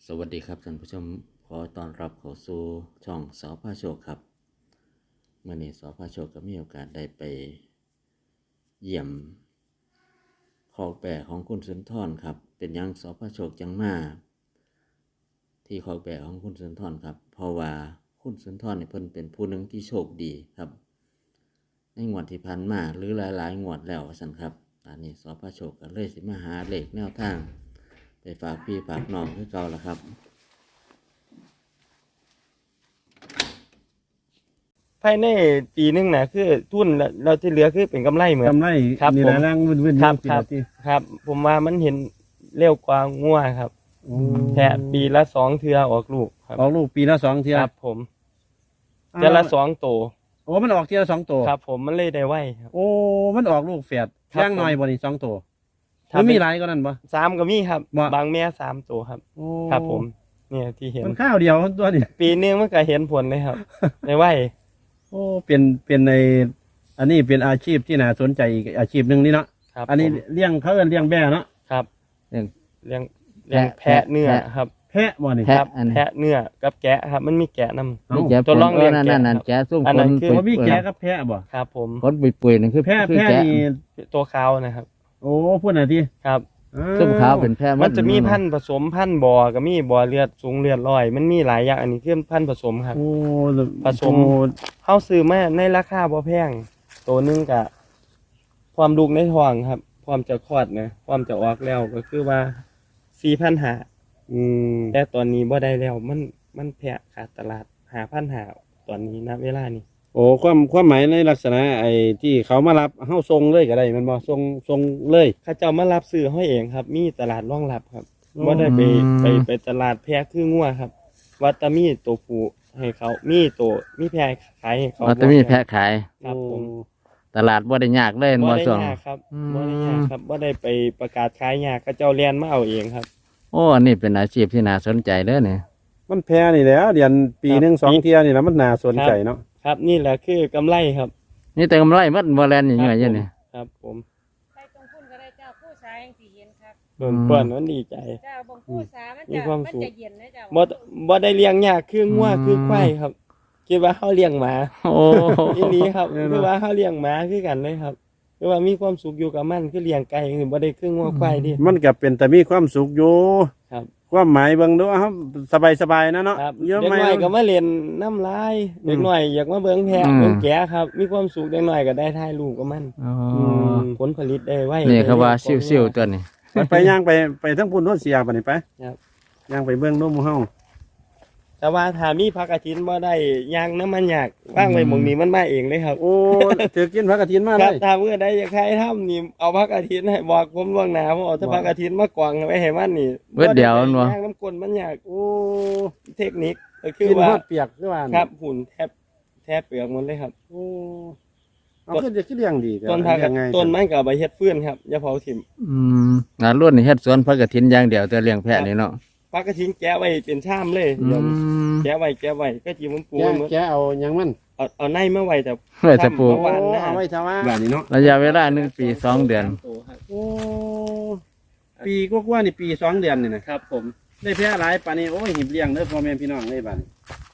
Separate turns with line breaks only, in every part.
สวัสดีครับท่านผู้ชมขอต้อนรับเข้าสู่ช่องสพโชคครับเมื่อนี้สพโชคก็มีโอกาสได้ไปเยี่ยมคอกแบะของคุณสุนทรครับเป็นยังสพโชคจังมาที่คอกแบะของคุณสุนทรครับเพราะว่าคุณสุนทรเนี่ยเพิ่นเป็นผู้หนึ่งที่โชคดีครับในงวดที่ผ่านมาหรือหลายๆงวดแล้วสั่นครับตอนนี้สพโชคก็เลยสิมาหาเลขแนวทางไปฝากพี่ฝากน้องคือเก่าละครับ
ภายในปีนึงนะคือทุนเราที่เหลือคือเป็นกำไรเหมือน
กำไร
ครับ
นี่
ผม
ละร่างวุ่นๆ
ครับ
ปี
ครั
ละ
บ
ที่
ครับ ผมว่ามันเห็นเร็วกว่างัวครับแค่ปีละ2 เทื่อออกลูกครับ
ออกลูกปีละ2 เที่ย
ครับผมเทื่อละ2 โต
โอ้มันออกเที่ยละ2 ตัว
ครับ ผมมันเลยได้ไวครับ
โอ้มันออกลูกแฝด
ครับ
ย่างน้อยบ่นี่2 ตัว
ถ้า
มัน
เป็น
มีหลายกว่านั้นบ่
3ก็มีครับ
บ่
บางแม่3 โตครับ
โอ้
ครับ ผมเนี่ยที่เห็น
มันข้าวเดียวตัวนี่
ปีนึงมันก็เห็นผลเลยครับ ได้ไว
โอ้เป็นในอันนี้เป็นอาชีพที่น่าสนใจอีกอาชีพหนึงนี่เนาะ
ครับ
อันนี้
ผม
เลี้ยงเขาเอิ้นเลี้ยงแบะเนาะ
ครับ
เรื่อง
เลี้ยงแพะเนื้อครับ
แพะบ่นี่
แพะ
ครับ
อัน
แพะเนื้อกับแกะครับ มันมีแกะนำ
เอ้า
นี่แกะ
ตัวร่องเลี้ยงแกะ
นั่น
ครับ
แกะซุ่ม
อัน
ค
นั้น
น
คือ
บ่มีแกะกับแพะบ่
ครับผม
คนปุยๆนั่นคือ
แพะ
คือ
แพะ
แกะ
นี่
ตัวขาวนะครับ
โอ้พูดหน่อยที
ครับ
ซุ่มขาวเป็นแพะ
มันจะมีพันธุ์ผสมพันธุ์บ่อก็มีบ่อเลือดสูงเลือดร้อยมันมีหลายอย่างอันนี้คือพันธุ์ผสมครับ
โอ้
ผสม
โอ้
เฮาซื้อมาในราคาบ่แพงตัวหนึงก็ความลูกในท้องครับความจะคลอดนะความจะออกแล้วก็คือว่า 4,500
อืม
แต่ตอนนี้บ่ได้แล้วมันแพะขาดตลาด 5,500 ตอนนี้ณเวลานี้
โอ้ความหมายในลักษณะไอ้ที่เขามารับเฮาส่งเลยก็ได้แมันบ่ส่งเลย
เขาเจ้ามารับซื้อเฮาเองครับ มีตลาดรองรับครับ
อ๋อ
บ่ได้ไปตลาดแพะคืองัวครับว่าแตมีตัวผู้ให้เขามีแพะขายให้เขา
อ๋อแต่มีแพะขาย
ครับผม
ตลาดบ่ได้ยากเลย
บ่
บ่
ได้
ส่ง
ยากครับ
อืม
บ่ได้ยากครับบ่ได้ไปประกาศขายยากเขาเจ้าเรียนมาเอาเองครับ
โอ้อันนี้เป็นอาชีพที่น่าสนใจเด้อเนี่ย
มันแพ้นี่แหล้วเดือนปี
ครับ
หนึ่ง2 เที่ยนี่แหล้วมันน่าสนใจเนาะ
ครับนี่แหละคือกำไรครับ
นี่แต่กำไรมันบ่แลนอย่างเงี้ยเนี่ย
ครับผม
ใส่ตรงพุ่นก็ได้เจ้าผู้ชายยังสิเย็นครับ
เพิ่นเพิ่นมันดีใจ
เจ้าบงผู้สามัน
มี
จะ
ความ
มัน
สุข
จะเย็นนะเจ้า
บ่ได้เลี้ยงยากคืองัวคือควายครับคิดว่าเฮาเลี้ยงหมา
โอ้
อีหลีครับคือว่าเฮาเลี้ยงหมาคือกันเลยครับคือว่ามีความสุขอยู่กับมันคือเลี้ยงไก่คือบ่ได้คืองัวควายดิ
มันก็เป็นแต่มีความสุขอยู่
ครับ
ความหมายเบิ่งดูครับสบายๆนะเนาะ
ครับ
เยอะ
เด็ก
ไหม
น้อยก็มาเล่นน้ำลายเด็กน้อยอยากมาเบิ่งแพะเบิ่งแกะครับ มีความสุขเด็กน้อยก็ได้ถ่ายรูปกับมัน
อ๋อ
ผลผลิตได้ไว้
นี่เขาว่าซิ่วๆตัวนี้
ไปย่างไปทั้งพุ่นโน้นเสียบัดนี้ไป
ครับ
ย่างไปเบิ่งดูหมู่เฮา
แต่ว่าถ้ามีผักกระถินบ่ได้ย่างน้ำมันยากว่างไว้หม่องนี้มันมาเองเลยครับ
โอ้ถือกินผักกระถินมา
ค
เล
รับ
ย
ถ้าเมื่อใดอยากให้ทำนี่เอาผักกระถินให้บอกผมล่วงหน้าผมเอาแต่ผักกระถินมากวางไว้ให้มันนี่
เบิดเดียวมันบ่
ย่างน้ำกลนมันยาก
โอ้
เทคนิคก็คือ
กิน
ว่า
ฮอดเปียกคือว่า
ครับหุ่นแทบเปลือกหมันเลยครับ
โอ้เอาขึ้นจะขึ้นเลี้ยงดีแต่
ต้นผัก
เลี้ยงไง
ต้นมันก็เอาไปเฮ็ดฟืนครับอย่าเผาถิ่ม
อืมงานรุ่นนี่เฮ็ดสวนผักกฐินอย่างเดียวแต่เลี้ยงแพะนี่เนาะ
ผักกระถินแกะไว้เป็นชามเลย
อื
เดี๋ยว
ม
แกะไว้ก็จีมันปู
แก
ไว้หมด
แกเอาหยังมัน
เอาในมาไว้แต่
ไว้แต่ปลูก
เมื่อวานหน้า
เอาไว้ทว่าแบบนี้เนาะ
ระยะเวลา1 ปี 2 เดือน
โอ้ปีกว่าๆนี่ปี2 เดือนนี่นะครับ
ผม
ได้แพ้หลายปานนี้โอ้ยหิบเลี้ยงเด้อพ่อแม่พี่น้องเลยบัดนี้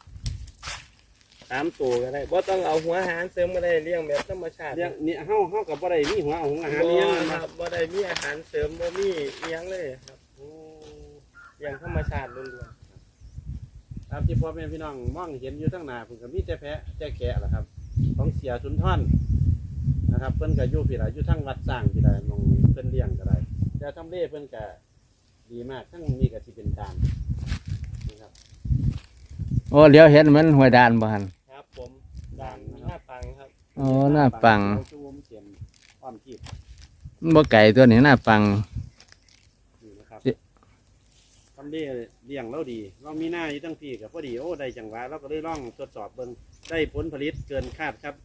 3 ตัวก็ได้บ่ต้องเอาหัวอาหารเสริมก็ได้เลี้ยงแบบธรรมชาติ
เลี้ยงนี่เฮากับบ่ได้มีหัวเอาของอาหาร
บ่
เลี้ยง
ค
นะ
รับบ่ได้มีอาหารเสริมบ่มีอิหยังเลยครับเลี้ยงธรรมชาติล้วน
ตามที่พ่อแม่พี่น้องมองเห็นอยู่ทั้งหน้าเพิ่นก็มีแต่แพะแต่แกะล่ะครับ ของเสียสุนทรนะครับเพิ่นก็อยู่พี่ล่ะอยู่ทั้งวัดสร้างพี่ล่ะมองเพิ่นเลี้ยงก็ได้แต่ทำเลเพิ่นก็ดีมากทั้งนี้ก็สิเป็นการนะครับ
โอ้เดี๋ยวเห็นเหมือนห้วยดานบ่หั่น
ๆครับผมด่านหน้าปังครับ
โอ้หน้าปัง
ชูวมเสียมอ้อมทีบ
มันบ่ไก่ตัวนี้หน้าปัง
นี่นะครับ
สิ
ทำเลเลี้ยงเราดีเรามีหน้าอยู่ทั้งพี่กับพอดีโอ้ได้จังหวะเราก็เลยลองทดสอบเบิ่งได้ผลผลิตเกินคาดครับ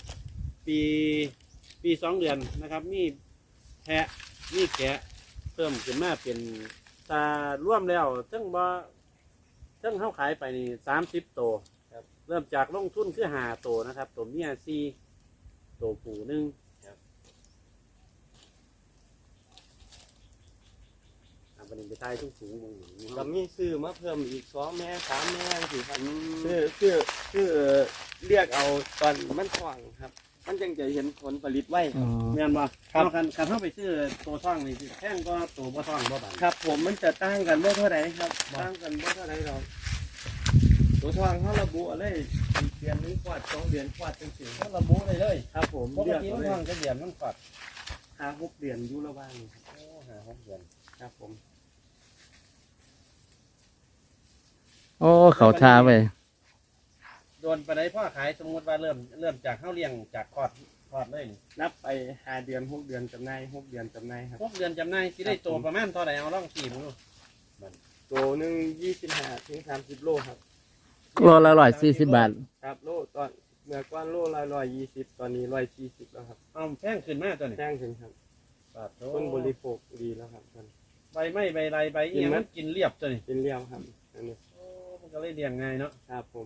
ปี2 เดือนนะครับ มีแพะมีแกะเพิ่มขึ้นมาเป็นตาร่วมแล้วทั้งเข้าขายไปนี่30 ตัวครับเริ่มจากลงทุนคือ5 ตัวนะครับ ตัวเมีย4 ตัวผู้1ครับบบัดนี้ไปทายสูงๆมึง
ก็มีซื้อมาเพิ่มอีก2แม่3แม่สิครับคือเรียกเอาตอนมันท้องครับ มันจังจะเห็นผลผลิตไว้
แม่นบ่
ครับ
คันเฮาไปซื้อตัวท่องนี่สิแพงกว่าตัวบ่ท่องบ่บาด
ครับผมมันจะต่างกันบ่เท่าไหร่ครับต่างกันบ่เท่าไหร่หรอกตัวทางเขาระบุอะไรอีกเดือนนึงกวาด2เดือนกวาดจังซี่
เขาระบุได้เลย
ครับผม
ปก
เรียก
ติ
เอา
มัน
เลย
ท่องจะเดือนมันกอด
5-6เดือนอยู่ระหว่าง
โอ้5-6เดือน
ครับผม
โอ้เขาทาไป
โดนไปได้พ่อขายสมมุติว่าเริ่มจากเฮาเลี้ยงจากคลอดเลยนี่
นับไป5เดือน6เดือนจำหน่าย6เดือนจำหน่ายครับ
6เดือนจำหน่ายสิได้ตัวประมาณเท่าใดเอาลองขี่มึงดู
ตัวหนึง25ถึง30โลครับ
โลละ140 บาท
ครับโลตอนเมื่อก่อนโลละ120ตอนนี้140แล้วครับ
เอาแพงขึ้นมาตัวนี้
แพงขึ้นครับ
บาทโต
คนบริโภคดีแล้วครับมัน
ใบไม้ใบไรใบเอียงมันกินเรียบตัวนี้
เป็นเลี้ยวครับอันนี้
โอ้มันก็เลยเลี้ยงง่ายเนาะ
ครับผม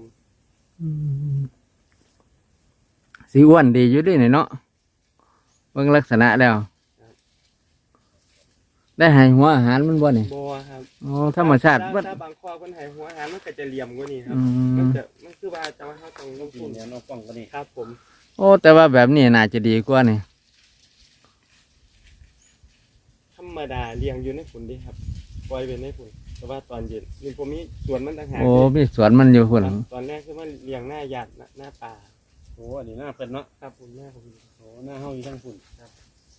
สีอ้วนดีอยู่ด้วยนี่เนาะเบิ่งลักษณะแล้ว ได้ให้หัวอาหารมันบ่นี่
บัวครับ
อ๋อธรรมชาติ
ถ้าบางข้อคนให้หัวอาหารมันก็จะเหลี่ยมกว่านี้ครับ
อื
มัน
ม
คือว่าจะว่าเขาต้องลง
กิ
ทุ
น
น
เนี่ยน้องกล้องก็นี่
ครับผม
โอ้แต่ว่าแบบนี้น่าจะดีกว่านี่
ธรรมดาเลี้ยงอยู่ในฝุ่นดีครับปล่อยเป็นในฝุ่นแต่ว่าตอนเย็นนี่ผมมีสวนมันต่างหาก
โอ้มีสวนมันอยู่พุ่น
ครับตอนแรกคือมันเลี้ยงหน้าหยาดหน้าป่า
โอ้อันนี้หน้าเพิ่นเนาะ
ครับผมหน้าผม
โอ้หน้าเฮาอยู่ทางฝุ่นครับ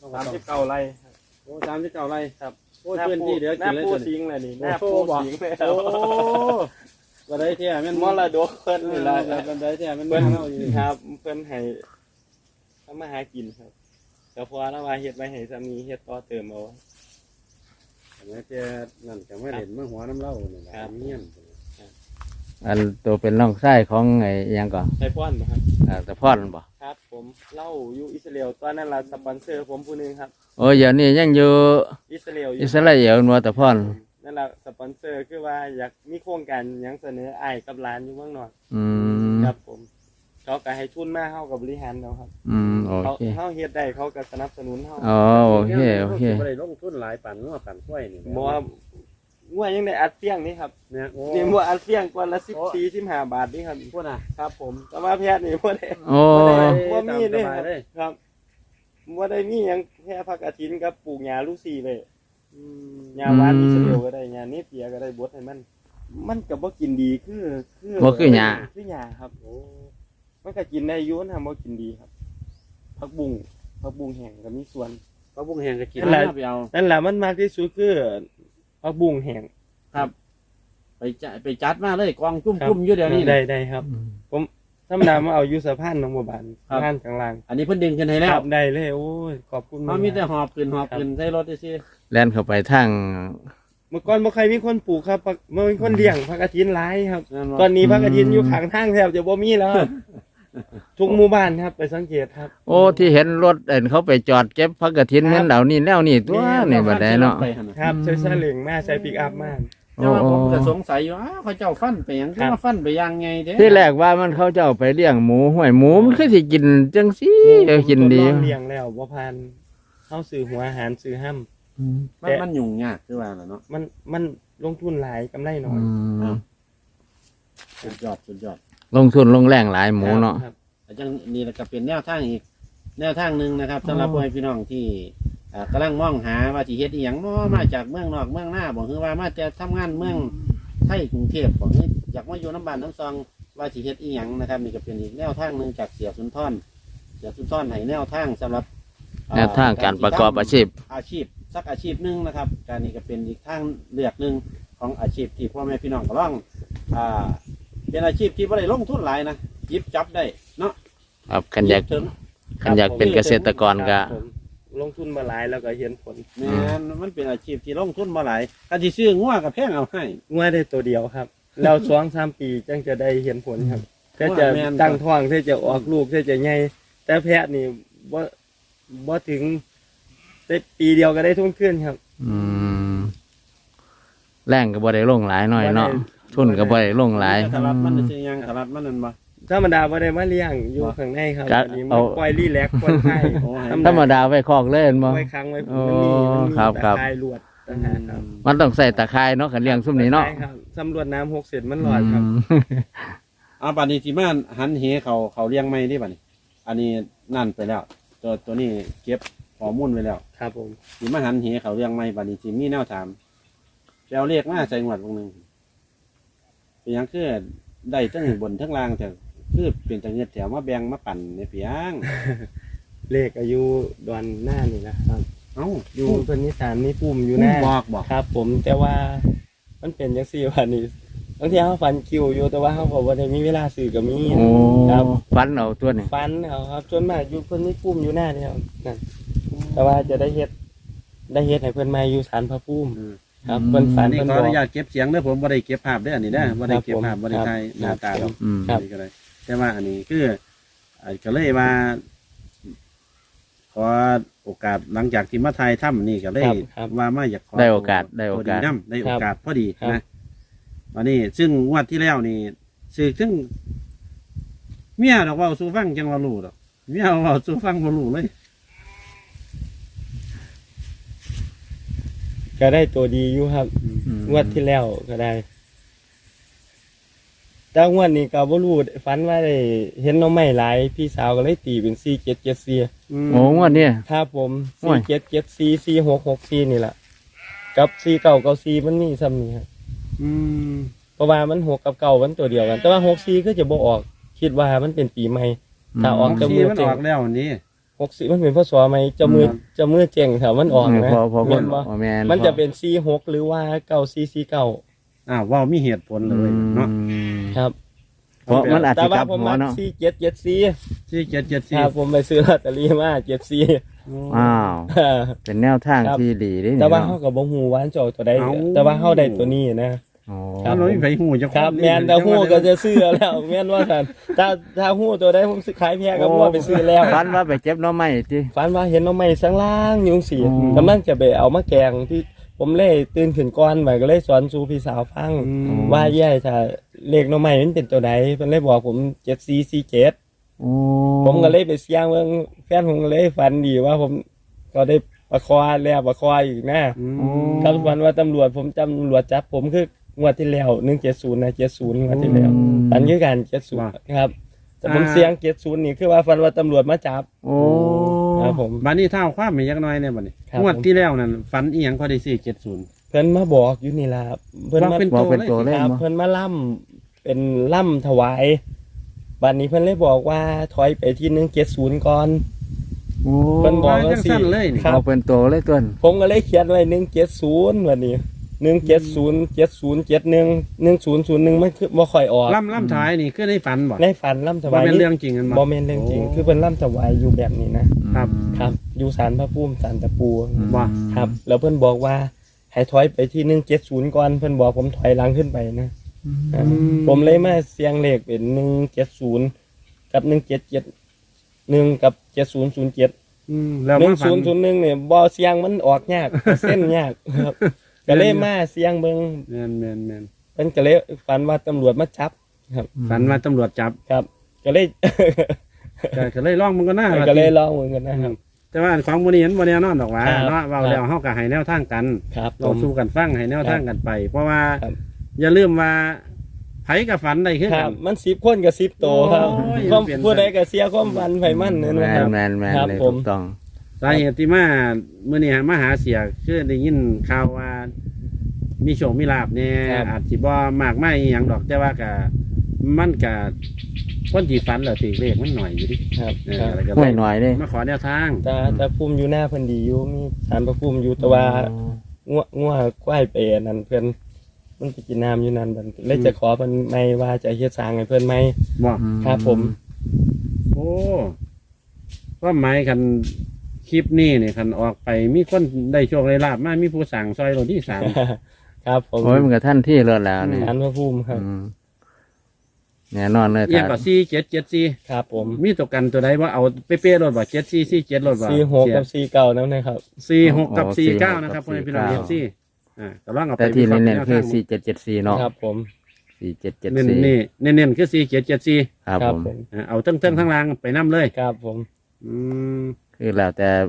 39 ไร่ครับ
โอ้39ไร่
ครับ
โอ้พื้นที่เดี๋ยว
ห
กิ
น้าน
เลย
ปู
ตัวนี้
สิงเลยนี่ห
โอ้
น้า
โห
ปู
บอก
สิงเลย
โอ้บ่ได้แท้แม่น
มรดกเพิ่น
เว
นี่
ลา
ล่ะ
บ่ได้แท้แม่น
เพิ่น
เฮาอยู่นี่
ครับเพิ่นให้ทำมาหากินครับแต่พอแล้วว่าเฮ็ดไว้ให้สามีเฮ็ดต่อเติมเอา
อันนี้แกนั่นก็ไม่เห็นมาหัวน้ำเล่านี่ล่ะ
ครับ
เมียน
อันตัวเป็นน้องชายของไอ้อิหยังก่อน
ใส่ป้อนบ่ครับ
ตะพอดมันบ่
ครับผมเล่าอยู่อิสราเอลตอนนั้นล่ะสปอนเซอร์ผมผู้หนึงครับ
โอ้เดี๋ยวนี้ยังอยู่
อิสราเอลอยู่
อิสราเอลนัวตะพอด
นั่นล่ะสปอนเซอร์คือว่าอยากมีโครงการหยังเสนออ้ายกับหลานอยู่เมืองนอก
อืม
ครับผมเขาก็ให้ทุนมาเฮากับบริหารเอาครับ
โอ
เขา
เค
เฮาเฮ็ดได้เขาก็สนับสนุนเฮา
อ๋อโอเคโอเค
บ่ได้ลงทุนหลายปั่นงัวปั่นกล้วยนี่
บ่ว่างัวยังได้อัดเฟียงนี่ครับ
เนี่ยโอ้
นี่งัวอัดเฟียงกว่าละ14-15 บาทนี่ครับ
พูดน่ะ
ครับผมแต่ว่าแพทย์นี่บ่ได้
โอ้
บ่มีเลย
ตามสบายเลย
ครับบ่ได้มีหยังแค่ผักกฐินกับปลูกหญ้าลูกซี่เลยหญ้าหวานอิสราเอลก็ได้หญ้าเนเปียก็ได้บดให้มันก็บ่กินดีคือ
บ่คือหญ้า
คือหญ้าครับ
โอ้
มันก็กินได้อยู่มันทำบ่กินดีครับผักบุ้งแห้งก็มีส่วน
ปลาบุ้งแห้งก็กิน
นั่นแหละ
ไปเอา
นั่นแหละมันมากที่สุดคือผักบุ้งแห้ง
ไปจัดมาเลยกองจุ่มๆอยู่เดี๋ยวนี้
ได้ครับธรรมดามาเอาอยู่สะพานหนองบัวบาน
ครับ
สะพานกลางล่าง
อันนี้เพิ่นดึงขึ้นให้แล้
คว รับได้เลยโอ้ยขอบคุณ
เขามีแต่หอบขึ้นใส่รถซื่อ
แล่นเข้าไปทาง
เมื่อก่อนบ่ใครมีคนปลูกครับบ่มีคนเลี้ยงผักกฐินหลายครับ
นั่นบ่
ตอนนี้ผักกฐินอยู่ข้างทางแทบจะบ่มีแล้วครับทุกหมู่บ้านครับไปสังเกตครับ
โอ้ที่เห็นรถเขาไปจอดเก็บพักกฐินเหมือนเหล่านี้แล้วนี่ตัวนี่บัดได้เนาะ
ไปหั่นน่ะ
ครับใช้ซาเล้งมาใช้ปิกอัพมา
แต่ว่าผมก็สงสัยอยู่เขาเจ้าฟันไปหยังคือมาฟันไปยังไงเด้
ที่แรกว่ามันเขาจะเอาไปเลี้ยงหมูห้วยหมูมันคือสิกินจังซี่กินดี
ทดลองเลี้ยงแล้วบ่ผ่านเฮาซื้อหัวอาหารซื้อห้ำ
มันยุ่งยากคือว่าล่ะเนาะ
มันลงทุนหลายกำไรน้อย
สุดยอด
ลงทุนลงแรงหลายหมูเนาะ
ครับ
อาจารย์นี่ก็เป็นแนวทางอีกแนวทางหนึ่งนะครับสำหรับพ่อแม่พี่น้องที่กำลังมองหาว่าสิเฮ็ดอีหยังมาจากเมืองนอกเมืองหน้าบอกคือว่ามาแต่ทำงานเมืองไทยกรุงเทพบอกคืออยากมาอยู่น้ำบ้านน้ำซองว่าสิเฮ็ดอีหยังนะครับนี่ก็เป็นอีกแนวทางหนึ่งจากเสียสุนทรให้แนวทางสำหรับ
แนวทางการประกอบอาชีพ
สักอาชีพหนึ่งนะครับการนี้ก็เป็นอีกทางเลือกหนึ่งของอาชีพที่พ่อแม่พี่น้องก็ลองเป็นอาชีพที่ไม่ได้ลงทุนหลายนะหยิบจับได้เนาะ
ครับคันอยาก
ถึง
คันอยากเป็นเกษตรกรก็
ครับผมลงทุนมาหลายแล้วก็เห็นผล
แม่นมันเป็นอาชีพที่ลงทุนมาหลายถ้าที่ซื้องัวกับแพงเอาให้
งัวได้ตัวเดียวครับแล้ว2-3 ปีจังจะได้เห็นผลครับถ้าจะ
แม่น
ตั้งท้องถ้าจะออกลูกถ้าจะใหญ่แต่แพะนี่บ่ถึงได้ปีเดียวก็ได้ทุนขึ้นครับ
อืมแรงก็บ่ได้ลงหลายหน่อยเนาะทุนก็บ่ได้ลงหลาย
ตลาดมันซื้อยังตลาดมันนั่นบ่
ธรรมดาบ่ได้มาเลี้ยงอยู่ข้างในครับ
ก็
อันนี้
เอา
มาปล่อยรีแลกซ์ปล่อยไข่
โอ้ให้
ธรรมดาไว้คอกเล่นบ่
ไว้ค้างไว้
โอ้
มันมี
ครับ
ตะ
ครับ
ข่ายลวดต่างหากครับ
มันต้องใส่ตะไคร้เนาะกันเลี้ยงซุ่มนี้เนาะ
ใช่ครับสำรวจน้ำ6 เซนมันหลอดครับ
เอาบัดนี้สิมาหันเหเขาเลี้ยงไม่ได้บัดนี้ อันนี้นั่นไปแล้ว ตัวนี้เก็บข้อมูลไว้แล้ว
ครับผม
สิมาหันเหเขาเลี้ยงไม่บัดนี้สิมีแนวถามไปเอาเลขมาใส่งวดวงหนึงเป็นหยังคือได้ทั้งบนทั้งล่างแต่คือเป็นจังเงียดแถวมาแบ่งมาปั่นในเพียง
เลขอายุดอนหน้านี่นะครับ
เอ้า
อยู่เพิ่นนิสานนี่ปุ่มอยู่
ผู้
หน้า
บอก
ครับ ผมแต่ว่ามันเป็นจังซี่ว่านี่บางทีเขาฟันคิวอยู่แต่ว่าเขาบอกว่าได้มีเวลาซื้อก็มี
โอ้
ครับ
ฟันเอาตัวนี้
ฟันเอาครับจนมากอยู่เพิ่นนี่ปุ่มอยู่หน้านี่ครับนั่นแต่ว่าจะได้เฮ็ดให้เพิ่นมาอยู่ศาลพระภูมิครับเพิ่นฝั
อั
น
นนี้
เพิ่น
ขอบ
อ
อก นุญาตเก็บเสียงเด้อผมบ่ได้เก็บภาพเด้ออันนี้เด้อบ่ได้เก็บภาพบ่ได้ถ่ายหน้าตาหรอก
อืม
ครับ
อันนี้ก็ได้แต่ว่าอันนี้คือก็เลยมาขอโอกาสหลังจากที่มาไทยถ้ำนี่ก็เลย
ครับ
ว่ามาอยากขอ
ได้โอกาสได้โอกาส
พดีน้ำได้โอกาสพอดี
ครับ
นะวันนี้ซึ่งงวดที่แล้วนี่ซึ่งเมียดอกเว่าสู้ฟังจังว่ารู้ดอกเมียเว่าสู้ฟังบ่รู้เลย
ก็ได้ตัวดีอยู่ครับ
อืม
งวดที่แล้วก็ได้ แต่งวดนี้ก็บ่รู้ฝันว่าได้เห็นหน้องไม้หลายพี่สาวก็เลยตีเป็น4774
โอ้งวดนี้
ครับผม
โอ้ย
4774 4664นี่แหละกับ4994มันมีซ้ำนี่ครับ
อืม
เพราะว่ามัน6กับ9มันตัวเดียวกัน แต่ว่า64ก็จะบ่ออก คิดว่ามันเป็นปีใหม่ ถ้าออก
ที่มันออกแล้วอันนี้
64มันเป็นพศใหม่เจะมือเจ๋งถ้ามันออกนะ
พอ
แม่นบ่
แม่น
มันจะเป็น46หรือว่า9449
อ้าวเว่ามีเหตุผลเลยเนาะ
ครับ
เพราะมันอาจ
แต่
จะก
ว่า
ลับ
ผม
หัว
มัก
เนาะ
4774
ที่774
ครับผมไปซื้อลอตเตอรี่มา74
อ้าว เป็นแนวทาง
ครับ
ที่ดีเด้
แต่ว่า
เนาะ
เฮาก็บ่ฮู้ว่าอันเจ้าตัวใดแต่ว่าเฮาได้ตัวนี้นะ
โอ้
ครับ
เราไม่ไปหูจะ
ครับแม่นแต่ฮู้ก็จะซื้อแล้วแม่นว่าซั่นถ้าฮู้ตัวใดผมสิขายแพงก็บ่ว่าไปซื้อแล้ว
ฟันว่าไปเจ็บหน้อไม้ติ
ฝันว่าเห็นหน่อไม้สังล่างอยู่จังซี่
อ๋อ
กำลังจะไปเอามาแกงที่ผมเลยตื่นขึ้นก่อนไปก็เลยสอนสู่พี่สาวฟัง ว่าแย่ถ้าเลขหน่อไม้มันเป็นตัวใดเพิ่นเลยบอกผม7447
โอ้
ผมก็เลยไปเสี่ยงเบิ่งแฟนผมก็เลยฝันดีว่าผมก็ได้ประคอแล้วประคออีกนะ ครับฝันว่าตำรวจผมจำตำรวจจับผมคืองวดที่แล้ว170นะ70งวดที่แล้วฝันคือกัน70ครับ แต่ผมเสี่ยง70นี่คือว่าฝันว่าตำรวจมาจับ
โอ้
ครับผม
บัดนี้เท่าความไม่ยักน้อยเนี่ยบัดนี้
ครับ
งวดที่แล้วนั่นฝันอีหยังพอได้470
เพิ่นมาบอกอยู่นี่ล่ะครับเพิ่น
บอก
มา
เป็น
บอกเป็นตัวเล
ค
ข
รับ
บ่
เพิ่นมาล่ำเป็นล่ำถวายบัดนี้เพิ่นเลยบอกว่าถอยไปที่170ก่อน
โอ้
เพิ่นบอกว่า
จังสั้นเลยนี่
ครับ
บอกเป็นตัวเลยตัวนั้น
ผมก็เลยเขียนไว้170วันนี้170711001มันคือบ่ค่อยออก
ล่ำท้ายนี่คือได้ฝันบ่
ในฝันล่ำถ
บ่
วาย
เป็นเรื่องจริงกัน
บ่แม่นเรื่องจริง คือเพิ่นล่ำถวายอยู่แบบนี้นะครับ ครับอยู่ศาลพระภูมิศาลตะปู
บ่
ครับ แล้วเพิ่นบอกว่าให้ถอยไปที่170ก่อนเพิ่นบอกผมถอยหลังขึ้นไปนะผมเลยมาเสียงเลขเป็น170กับ1771กับ7007
แล้วมาฝัน
1001เนี่ยบ่เสียงมันออกยากเส้นยากครับก็เลยมาเสียงเบิ่ง
แม่น
เพิ่นก็เลยฝันว่าตำรวจมาจับครับ
ฝันว่าตำรวจจับ
ครับ ก็เลย
ก็เลยลองมันก็น่า
ก็เลยลองเหมือนกันนะครับ
แต่ว่าของมื้อนี้มันบ่แน่นอนดอกว่า
ครับ
เนาะเว้าแล้วเฮาก็ให้แนวทางกัน
ครับผ
เรา
ม
สู้กันฟังให้แนวทางกันไป เพราะว่า
ครับ
อย่าลืมว่าไผกับฝันได้คือ
ค
กั
รับ
น
มัน10คนกับ10โตวครับ
โอ้ย
ความ
เปลี่ยน
ผู้ใดก็เสียความฝันไผมันนั่น
แม
นะครั
น
บ
แมนแมน
ครับ
เลย
ผม
ถูกต้อง
สาเหตุที่มาเมื่อนี้มาหาเสียคือได้ยินข่าวว่า มีโชคมีลาบเนี่ย
ครับ
อาจสิบ่มากไม่อหย่างดอกแต่ว่าก็มันก็คนที่ฝันแล้วถือเลขมันหน่อยอยู่ดิ
ครับ
เออ
ครับ
แล้วก็
ห่วยหน่อยเลย
มาขอแนวทาง
แต่ภูมิอยู่หน้าเพิ่นดีอยู่มีศาลพระภูมิอยู่แต่ว่างัวควายไปอันนั้นเพิ่นมันไปกินน้ำอยู่นั่นบัดเลยจะขอเพิ่นไม่ว่าจะเฮ็ดสร้างให้เพิ่นไหม
บอก
ครับผม
โอ้ว่าหมายคันคลิปนี้เนี่ยคันออกไปมีคนได้โชคได้ลาบมามีผู้สั่งซอยโลที่สาม
ครับผม
โอ้ยมันกับท่านที่เลิศแล้วนี่
ศาลพระภูมิครับ
อืมแน่นอนเลย
เอียงกับ4774
ครับผม
มีตัวกันตัวใดว่าเอาเป๊ะๆรถบ่7447รถบ่
46กับ49นั่นนะครับ
46กับ49นะครับพ่อแม่พี่น้องเอฟซีก็ลองเอาไป
แต่ที่
วิคราะห์
เน้นๆคือ
แวทาง
4774เนาะ
ครับผม
เน้น
4774
นี่เน้นๆคือ4774
ครับผม
เอาทั้งล่างไปนํเลย
ครับผม
อืม
คือแล้วแต่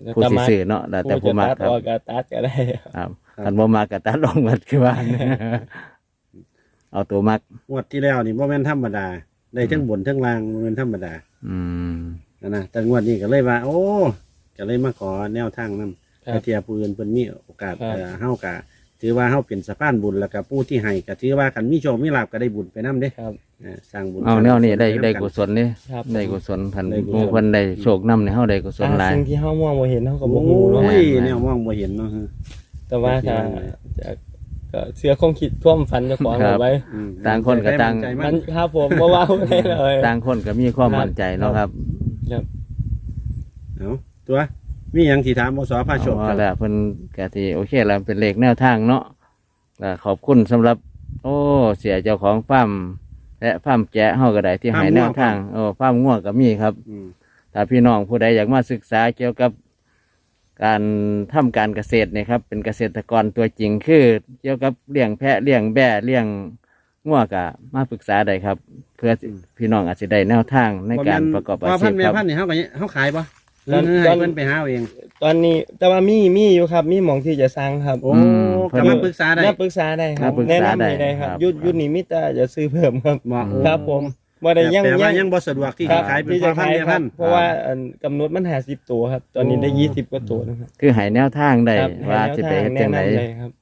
ผู้สิซื้อเนาะแล้วแต่ผู้มัก
จะตัด
ครับ
ออกก็ตัดก็ได้
ครับคันบ่มักก็ตัดลงหมดคือว่า เอาตัวมัก
งวดที่แล้วนี่บ่แม่นธรรมดาได้ทั้งบนทั้งล่างบ่แม่นธรรมดา
อืม
นะแต่งวดนี้ก็เลยว่า โอ้ก็เลยมาขอแนวทางนำ
ครับ
เทียผู้อื่นเพิ่นมีโอกาส
ครับ
เฮาก็ถือว่าเฮาเป็นสะพานบุญแล้วก็ผู้ที่ให้ก็ถือว่าคันมีโชคมีลาภก็ได้บุญไปนํเด้
ครับ
สร้างบุญ
เอาแนวนี้ได้
สร้าง
ได้
นำ
กุศลนี่
ครับ
ได้กุศลคัน
ได้กุศล
หมู่เพิ่นได้โชคนำในเฮาได้กุศลหลาย
สิ่งที่เฮามองบ่เห็นเฮาก็บ่
โอ้
ฮู้เนาะ
ย
แม่น
แนวมองบ่เห็นเนาะ
แต่ว่าถ้า
แม่น
จะก็เชื่อคงคิดท่วมฝันเจ้าของเอาไว้
อืม
ต่างคนก็ต่าง
ใจ
มั
มัน น
ครับผมบ่ว่าได้เลย
ต่างคนก็มีความมั่นใจเนาะครับ
ครับ
เอาตัวมีหยังสิถามบ่สอพาโชค
เอาละเพิ่นก็สิโอเคแล้วเป็นเลขแนวทางเนาะก็ขอบคุณสำหรับ โอ้เสียเจ้าของฟาร์มและฟาร์มแกะเฮาก็ได้ที่ให้แนวทางฟาร์มง่วงก็มีครับ
อืม
ถ้าพี่น้องผู้ใดอยากมาศึกษาเกี่ยวกับการทำการเกษตรเนี่ยครับเป็นเกษตรกรตัวจริงคือเกี่ยวกับเลี้ยงแพะเลี้ยงแบะเลี้ยงง่วงก็มาปรึกษาได้ครับ เพื่อพี่น้องอาจจะได้แนวทางในการประกอบอา
ว่า
ชี
พั
พ
นแม่
ครับ
พันนี่เฮาก็เฮาขายบ่
ตอน
ให้เพิ่นไปหาเอาเอง
ตอนนี้แต่ว่ามีอยู่ครับมีหมองที่จะสร้างครับ
โอ้
เพิ่น
ก็มาปรึกษาได้
น่าปรึกษาได้ครับ
น่าปรึก
แนะ
ษาน
ำให้ได้ครับ
ได้ครับ
ยุดนี้มิตรจะซื้อเพิ่มครับ
บ่
ครับผมบ่ได้ยัง
แต่ว่ายังบ่สะดวกที่
ครั
จะ
บ
ขายเป็น
ที่
พ่
จะ
อพัน
ขาย
แม่
ค
พั
รับ
น
เพราะว่าอันกำหนดมัน50ตัวครับ ตอนนี้ได้
โอ้
20กว่าตัวนะครับ
คือให้แนวทางได้
ครับ
ว่า
ให้
สิ
แนว
ไป
ทาง
เฮ็ดจังได
แนะนำเลยครับ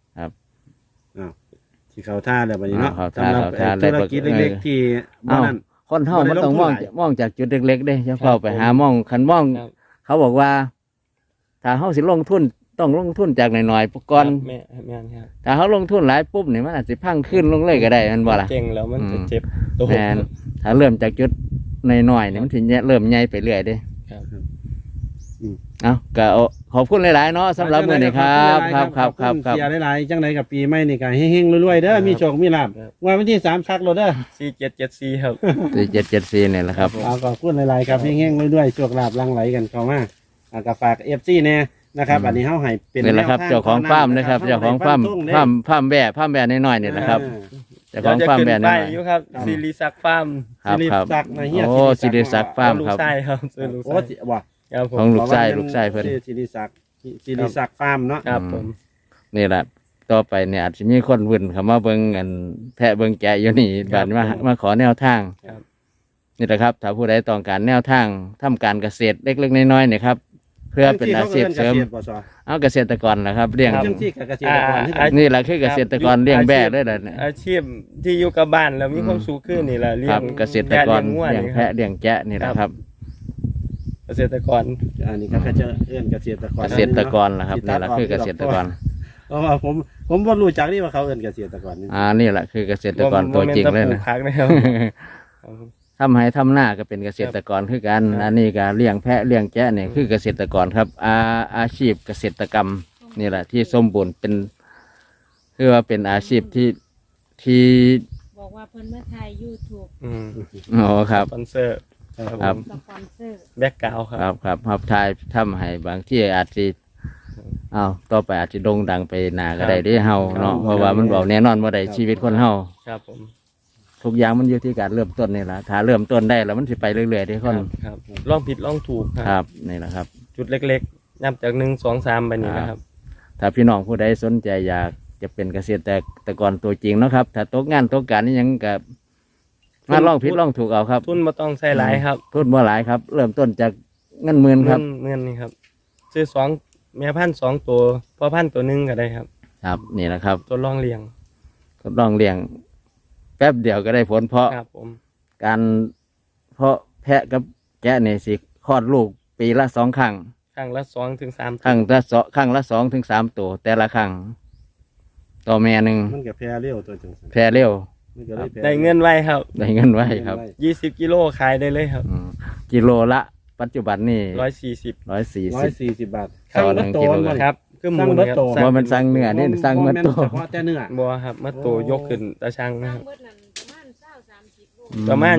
ที่เขาท่าแล้วบัดนี้เนาะ
เข้าท่า
สำหรับ
เข้าท่า
ธุรกิจ
แล้ว
เล็กๆที่บ่
เอ้า
นั่น
คนเฮา
บ่ได้
มันต้อง
ลงทุน
มอง
หลาย
มองจากจุดเล็กๆเด้อย่า
ครับ
เข้าไปหามองคันมอง
ครับ
เขาบอกว่า ถ้าเฮาสิลงทุนต้องลงทุนจากหน่อยๆก่อน
แม่แม่นครับ
ถ้าเขาลงทุนหลายปุ๊บนี่มันอาจจะพังขึ้นลงเลยก็ได้แมันบ่ล่ะ
เก่งแล้วมันจะเจ็บตัว
แม่นถ้าเริ่มจากจุดน้อยๆนี่มันถึงเริ่มใหญ่ไปเรื่อยเด้
ครับ
เอาก็ขอบคุณหลายๆเนาะสำหรับมื้อนี้ครับครับครับครับครับ
เสียหลายๆจังไดกับปีใหม่นี่ก็เฮงๆรวยๆเด้อมีโชคมีลาภว่าวันที่3ชักรถเด้อ
4774ครับ
4774นี่แหละครับ
เอาขอบคุณหลายๆครับเฮงๆรวยๆโชคลาภหลั่งไหลกันเข้ามาก็ฝาก FC แน่นะครับอันนี้เฮาให้เป็น
นี่แหละครับ
แนวท
เจ้าของฟาร์มนะครับเจ้าของฟาร์มฟาร์มแบะน้อยๆนี่แหละครับเจ้าของฟาร์มแบะ
เดี๋ยวจะขึ้น
น้
ไป
อย
อยู่ครับศิริศักดิ์ฟาร์ม
ๆครับ
สิริ
ครับ
ศักดิ์นะเฮีย
โอ้สิริศักดิ์ฟาร์ม
ลู
ค
ก
รับ
ชายครับซื้อลูก
โอ้
ชาย
สิว่า
ครับผ
ของ
ม
ลูกชายเพิ่น
สิริศักดิ์ฟาร์มเนาะ
ครับผม
นี่แหละต่อไปเนี่ยอาจจะมีคนวุ่นเข้ามาเบิ่งกันแพะเบิ่งแกะอยู่นี่บัดมาขอแนวทาง
ครับ
นี่แหละครับถ้าผู้ใดต้องการแนวทางทำการเกษตรเล็กๆน้อยๆเนี่ยครับเพื่อเป็นอาชีพเสริม
จังที่ขาก็อิ้นเกษตรบ่ซอ
เอาเกษตรกรนะครับเลี้ยง
จังที่กับเกษตรกรที่
นี่แหละคือเกษตรกรเลี้ยงแบะด้วยแหละเนี่ย
อาชีพที่อยู่กับบ้านแล้วมีความสุขขึ้นนี่แหละเลี้
ค
ย
รั
ง
บเกษตรกร
แพะ
เลี้ยง
นี่ครั
แพะ
บ
เลี้ยงแกะนี่แหละครับ
เกษตรกร
อันนี้ก็จะเอื้อนเกษตรกร
เกษตรกรนะครับนี่แหละคือเกษตรกร
เพราะว่าผมบ่รู้จักนี่ว่าเขาเอื้อนเกษตรกรนี่
นี่แหละคือเกษตรกรตัวจริงเลย
บ่แม่
นะ
นแตะปลูกผักนะครับ
ทำให้ทำหน้าก็เป็นเกษตรกรคือกัน
ครับ
อันนี้ก็เลี้ยงแพะเลี้ยงแกะเนี่ยคือเกษตรกรครับ อาชีพเกษตรกรรมนี่แหละที่สมบูรณ์เป็นคือว่าเป็นอาชีพที่
บอกว่าเพิ่นมาถ่าย YouTube
อืม
อ๋อครับ
สปอนเซอร์
ครับ
สปอนเซอร์
แบ็กกราวด์ค
ครั
รั
บบ ครับทายทำให้บางที่อาจจะต่อไปอาจจะโด่งดังไปหนาก็ได้เด้เฮาเนาะเพราะว่ามันบอกแน่นอนว่าได้ชีวิตคนเฮา
ครับผม
ทุกอย่างมันอยู่ที่การเริ่มต้นนี่แหละถ้าเริ่มต้นได้แล้วมันสิไปเรื่อยๆที่คน
ครับลองผิดลองถูก
ครับนี่แหละครับ
จุดเล็กๆนับจาก1 2 3ไปนี่นะครับ
ถ้าพี่น้องผู้ใดสนใจอยากจะเป็นเกษตรกรตัวจริงเนาะครับ ถ้าตกงานตกการนี่ยังกับมาลองผิดลองถูกเอาครับ
ทุนบ่ต้องใช้หลายครับ
ทุนบ่หลายครับ เริ่มต้นจากเงินหมื่นครับ
เงินนี่ครับซื้อ2แม่พันธุ์2ตัวพ่อพันธุ์ตัวหนึงก็ได้ครับ
ครับนี่แหละครับ
ตัวรองเลี้ยง
ทดลองเลี้ยงแป๊บเดียวก็ได้ผลเพราะ
ครับผม
การเพราะแพะกับแกะเนี่ยสิคลอดลูกปีละ2 ครั้ง
ครั้งละ2 ถึง 3
ครั้งละ2 ถึง 3 ตัวแต่ละครั้งต่อแม่หนึ่ง
มันก็แพร่เร็วตัวจังซั่น
แพะเร็ว
มันก็เลยแพร่
ได้เงินไวครับ
ได้เงินไว้ครับ
20 กิโลขายได้เลยครับ
กิโลละปัจจุบันนี่
140
140
140 บาท
ต่อหนึ่งกิโล
บ่
ครับคือหมู
สั่ง
นี่
เบิด
ครับ
โต
ว่ามันสั่งเนื้อนี่สั่งมันโต
เฉพาะแต่เนื้อ
บัวครับมาโตยกขึ้นตาช่างนะ
สร้า
ค
ง
รับ
เบิดนั่นประมาณ20-30 โล
ประมาณ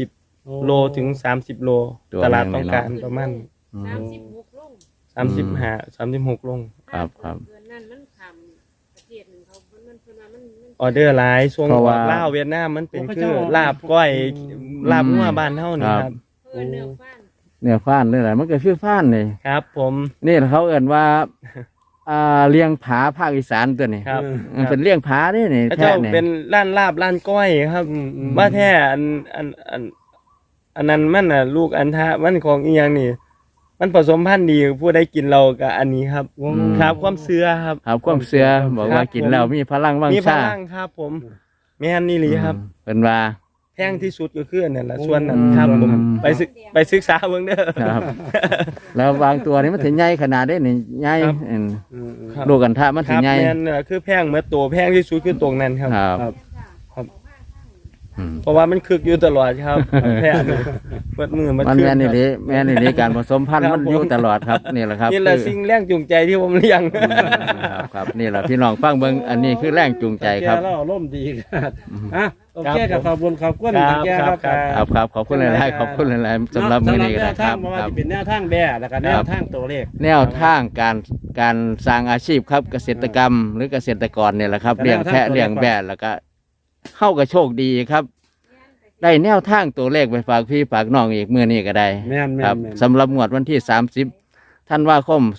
20 โลถึง30 โล
ตัว
ตลาด
แม่ง
ต้อง
เลยเนาะ
การประมาณ
36 ลง
35 36 ลง
ครับครับ
เดือนนั้นมันขำประเทศหนึงเขาเพิ่นว่ามัน
ออเดอร์หลายช่วง
เพราะว่า
ลาวเวียดนามมันเป็นคือลาบก้อยลาบงัวบ้านเฮานี่ครับ
เนื้อฟ้าน
เนื้อฟ้านเลยแหละมันก็คือฟ้านนี่
ครับ ผม
นี่เขาเอ่นว่าเลี้ยงผาภาคอีสานตัวนี้
ครับ
มันเป็นเลี้ยงผานี่นี่
พระ
แท้
เจ้า
นี่
เป็นล้านลาบล้านก้อยครับว่าแท้อันนั้นมันน่ะลูกอันทะมันของอีหยังนี่ มันผสมพันธุ์ดีผู้ใดกินเรากับอันนี้ครับครับความเชื่อครับ
ครับความเชื่อบอกว่ากินแล้วมีพลังวัง
มีพ
ชา
ลังครับ ผมแม่นนี่หลีครับ
เป็นว่า
แพงที่สุดก็คืออันนั่นแหละส่วนนั้นครับผมไปศึกษาเบิ่งเด้อ
ครับ แล้วบางตัวนี่มันถึงใหญ่ขนาดได้นี่ใหญ่
ครับ ครับ
ลูกกันทะมัน
ค
ถึ
รั
ง
บ
ใหญ่
แม่นน่ะคือแพงเมื่อตัวแพงที่สุดคือตรงนั้นครับ
ครับ
ครับ
อืม
เพราะว่ามันคึกอยู่ตลอดครับแพงนี่เปิดมือมัน
มัน
คึก
แม่นนี่
ครับ
ดิแม่นนี่ดิการผสมพันธุ์
ครับ
มันอยู่ตลอดครับนี่แหละครับ
นี่แหละ
คือ
สิ่งแรงจูงใจที่ผมเลี้ยง
ครับครับนี่แหละพี่น้องฟังเบิ่งอันนี้คือแรงจูงใจครับ
แกเราร่มดีครับอ่ะโอเคกับขอบคุณขอบคุณ
ครับ
แกครับ
ครับ
ครับขอบคุณหลายๆขอบคุณหลายๆสำหรับมื้อนี้ก็
แน
ได้
ว
ค
ทา
รั
ง
บ
บ่ว่า
ครับ
จะเป็นแนวทางแบ่แล้วก็แนวทางตัวเลข
แนวทางการสร้างอาชีพครับเกษตรกรรมหรือเกษตรกรเนี่ยแหละครับ
แต่
เลี้ยง
แนวทาง
แพะ
ตัวเลข
เลี้ยงแบะแล้วก็เข้ากับโชคดีครับ ได้แนวทางตัวเลขไปฝากพี่ฝากน้องอีกมื้อนี้ก็ได้
แม่น
ครับ
แม่น
สำหรับงวดวันที่30ธันวาคม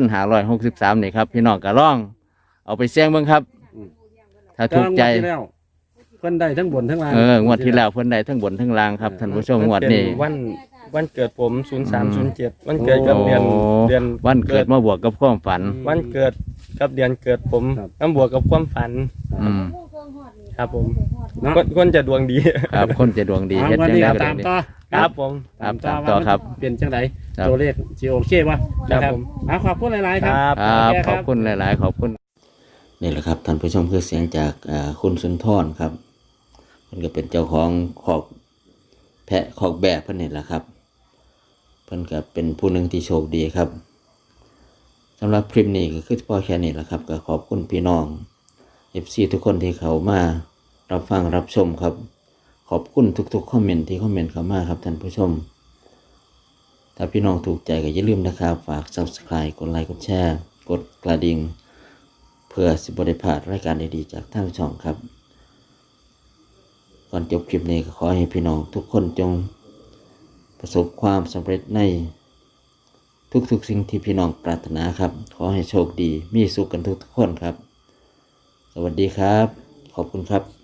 2563นี่ครับพี่น้องก็ลองเอาไปเสี่ยงเบิ่งครับ ถ้าถูกใจ
งวดที่แล้วเพิ่นได้ทั้งบนทั้งล่าง
งวดที่แล้วเพิ่นได้ทั้งบนทั้งล่างครับท่านผู้ชมงวดนี้
วันเกิดผม0307วันเกิดกับเดือน
โอ้
เดือน
วันเกิดมาบวกกับความฝัน
วันเกิดกับเดือนเกิดผมน้ำบวกกับความฝัน
อืม
ครับผม
เนาะ
คนจะดวงดี
ครับคนจะดวงดี
เอา
เฮ็ด
วัน
จัง
นี้
ได๋
ก็
ก็
ตาม
ได้
ต่อ
ครับผม
ครับตามต่อครับ
ว่ามันเป็นจังได
ครับ
ตัวเลขสิโอเควะ
ครับ
นะครับ
ผม
ขอบคุณหลายๆค
ค
รั
รับ
ครับ
โอเค
ขอบคุณหลาย ๆ ขอบคุณนี่แหละครับท่านผู้ชมคือเสียงจากคุณสุนทรครับเพิ่นก็เป็นเจ้าของคอกแพะคอกแบะเพิ่นนี่แหละครับเพิ่นก็เป็นผู้หนึ่งที่โชคดีครับสำหรับคลิปนี้ก็คือพอแค่นี้แหละครับก็ขอบคุณพี่น้อง FC ทุกคนที่เขามารับฟังรับชมครับ ขอบคุณทุกๆคอมเมนต์ที่คอมเมนต์เข้ามาครับท่านผู้ชม ถ้าพี่น้องถูกใจก็อย่าลืมนะครับฝาก Subscribe กดไลค์กดแชร์กดกระดิ่งเพื่อสิบ่ได้พลาดรายการดีๆจากทางช่องครับ ก่อนจบคลิปนี้ก็ขอให้พี่น้องทุกคนจงประสบความสำเร็จในทุกๆสิ่งที่พี่น้องปรารถนาครับ ขอให้โชคดีมีสุขกันทุกๆคนครับ สวัสดีครับ ขอบคุณครับ